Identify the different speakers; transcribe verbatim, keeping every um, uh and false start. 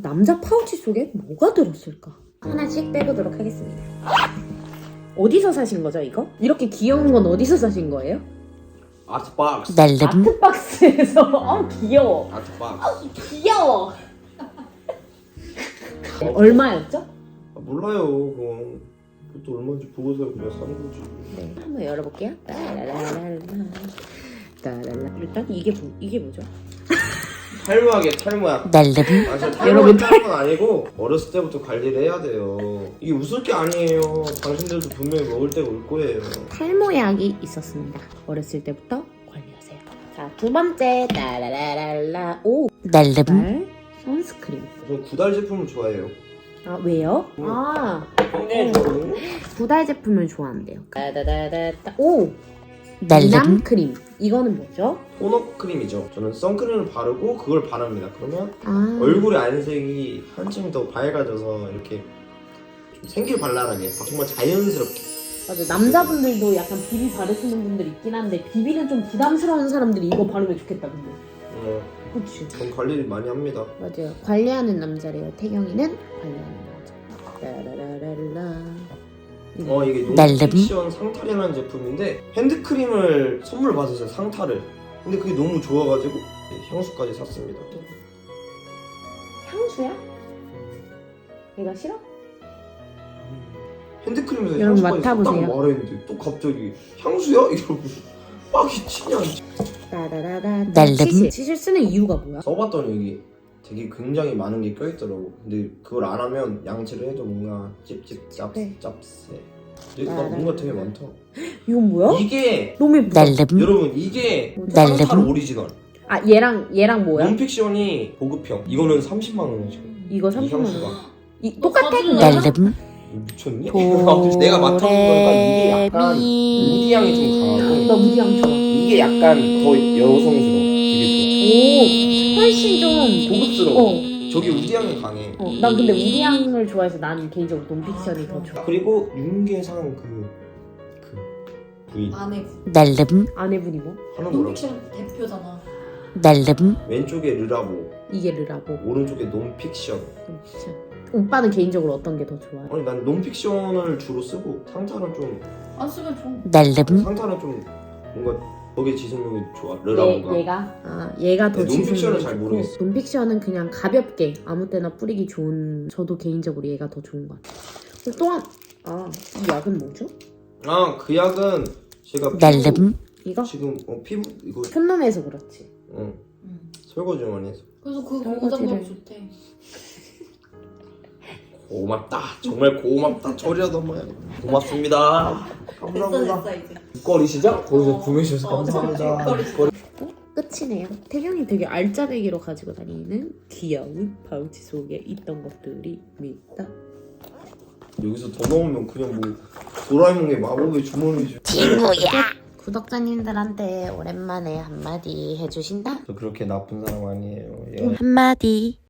Speaker 1: 남자 파우치 속에 뭐가 들었을까? 하나씩 빼보도록 하겠습니다. 어디서 사신 거죠, 이거? 이렇게 귀여운 건 어디서 사신 거예요?
Speaker 2: 아트박스.
Speaker 1: 아트박스에서. 어, 귀여워.
Speaker 2: 아트박스.
Speaker 1: 어, 귀여워. 네, 얼마였죠?
Speaker 2: 아, 몰라요. 그건 그것도 얼마인지 보고서 그냥 산 거지.
Speaker 1: 네, 한번 열어볼게요. 따라라라라. 따라라. 일단 이게 뭐, 이게 뭐죠?
Speaker 2: 탈모하게 탈모야.
Speaker 3: 날름.
Speaker 2: 아, 저 탈모는 탈모는 아니고 어렸을 때부터 관리를 해야 돼요. 이게 웃을 게 아니에요. 당신들도 분명히 먹을 때가 올 거예요.
Speaker 1: 탈모약이 있었습니다. 어렸을 때부터 관리하세요. 자, 두 번째. 따라라라라. 오.
Speaker 3: 날름.
Speaker 1: 달 선스크림.
Speaker 2: 저는 구달 제품을 좋아해요.
Speaker 1: 아, 왜요?
Speaker 2: 음.
Speaker 1: 아,
Speaker 2: 네.
Speaker 1: 구달 제품을 좋아한대요. 따다다다다. 오.
Speaker 3: 날름.
Speaker 1: 미남 크림. 이거는 뭐죠?
Speaker 2: 토너 크림이죠. 저는 선크림을 바르고 그걸 바릅니다. 그러면
Speaker 1: 아.
Speaker 2: 얼굴의 안색이 한층 더 밝아져서 이렇게 좀 생길발랄하게 정말 자연스럽게.
Speaker 1: 맞아. 남자분들도 약간 비비 바르시는 분들 있긴 한데 비비는 좀 부담스러운 사람들이 이거 바르면 좋겠다 근데.
Speaker 2: 어,
Speaker 1: 그치.
Speaker 2: 전 관리를 많이 합니다.
Speaker 1: 맞아요. 관리하는 남자래요. 태경이는 관리하는 남자. 라라라라라.
Speaker 2: 어 이게
Speaker 3: 날름.
Speaker 2: 논픽션 상탈이라는 제품인데 핸드크림을 선물 받았어요. 상탈을. 근데 그게 너무 좋아가지고 향수까지 샀습니다.
Speaker 1: 향수야? 얘가 싫어?
Speaker 2: 핸드크림에서
Speaker 1: 여러분
Speaker 2: 향수까지 샀다고
Speaker 1: 맡아보세요.
Speaker 2: 말했는데 또 갑자기 향수야? 이러고 빡이 치냐.
Speaker 1: 따라라라.
Speaker 3: 날름.
Speaker 1: 치실. 치실 쓰는 이유가 뭐야?
Speaker 2: 써봤더니 여기 되게 굉장히 많은 게 껴있더라고. 근데 그걸 안 하면 양치를 해도 뭔가 찝찝 짭
Speaker 1: 네.
Speaker 2: 짭새. 근데 나 뭔가 되게 많다.
Speaker 1: 이건 뭐야?
Speaker 2: 이게
Speaker 1: 너무 예쁘다.
Speaker 3: 날름.
Speaker 2: 여러분 이게
Speaker 3: 날름.
Speaker 2: 상탈 오리지널.
Speaker 1: 아, 얘랑 얘랑 뭐야?
Speaker 2: 논픽션이 보급형. 이거는 삼십만 원이죠.
Speaker 1: 이거
Speaker 2: 이
Speaker 1: 삼십만 원.
Speaker 2: 향수가.
Speaker 1: 이 똑같아? 그거랑?
Speaker 3: 날름.
Speaker 2: 미쳤니? 내가 맡아본 거니까 이게 약간 우디 향이 좀 강하고
Speaker 1: 나 우디 향 좋아.
Speaker 2: 이게 약간 더 여성스러워. 되게
Speaker 1: 오, 훨씬 좀
Speaker 2: 좋아. 고급스러워.
Speaker 1: 어.
Speaker 2: 저기 우디 향이 강해.
Speaker 1: 어, 난 근데 우디 향을 좋아해서 나는 개인적으로 논픽션이 더 좋아.
Speaker 2: 그리고 윤계상 그, 그 부인
Speaker 4: 아내
Speaker 3: 날름.
Speaker 1: 아내분이 뭐?
Speaker 2: 하는 거라고.
Speaker 4: 논픽션 대표잖아.
Speaker 3: 날름.
Speaker 2: 왼쪽에 르라보,
Speaker 1: 이게 르라보.
Speaker 2: 오른쪽에 논픽션.
Speaker 1: 논픽션. 오빠는 개인적으로 어떤 게 더 좋아?
Speaker 2: 아니 난 논픽션을 주로 쓰고 상탈은 좀
Speaker 4: 안 쓰면 좀
Speaker 3: 날름.
Speaker 2: 상탈은 좀 뭔가 거기에 지속력이 좋아.
Speaker 1: 얘,
Speaker 2: 르라보가.
Speaker 1: 얘가? 아, 얘가 더
Speaker 2: 네, 논픽션은
Speaker 1: 지속력이
Speaker 2: 잘
Speaker 1: 좋고,
Speaker 2: 모르겠어.
Speaker 1: 논픽션은 그냥 가볍게 아무 때나 뿌리기 좋은. 저도 개인적으로 얘가 더 좋은 것 같아요. 그리고 또한 아, 이 약은 뭐죠?
Speaker 2: 아 그 약은 제가 피부,
Speaker 3: 날름.
Speaker 1: 이거?
Speaker 2: 지금 어, 피부 이거
Speaker 1: 촌놈해서 그렇지.
Speaker 2: 어,
Speaker 4: 음.
Speaker 2: 설거지 많이 해서
Speaker 4: 그래서 그
Speaker 1: 설거지를-
Speaker 4: 고장력 좋대.
Speaker 2: 고맙다. 정말 고맙다. 저리라도 한번 해. 고맙습니다.
Speaker 4: 됐어
Speaker 2: 감사합니다.
Speaker 4: 됐어 이제.
Speaker 2: 국거리시죠? 거기서
Speaker 4: 어.
Speaker 2: 구매해주셔서
Speaker 4: 어,
Speaker 2: 감사합니다.
Speaker 4: 국거리.
Speaker 2: 국거리.
Speaker 1: 끝이네요. 태경이 되게 알짜배기로 가지고 다니는 귀여운 파우치 속에 있던 것들입니다.
Speaker 2: 여기서 더 넣으면 그냥 뭐 도라에몽의 마법의 주머니지.
Speaker 3: 친구야.
Speaker 1: 구독자님들한테 오랜만에 한마디 해주신다?
Speaker 2: 저 그렇게 나쁜 사람 아니에요. 예.
Speaker 3: 한마디.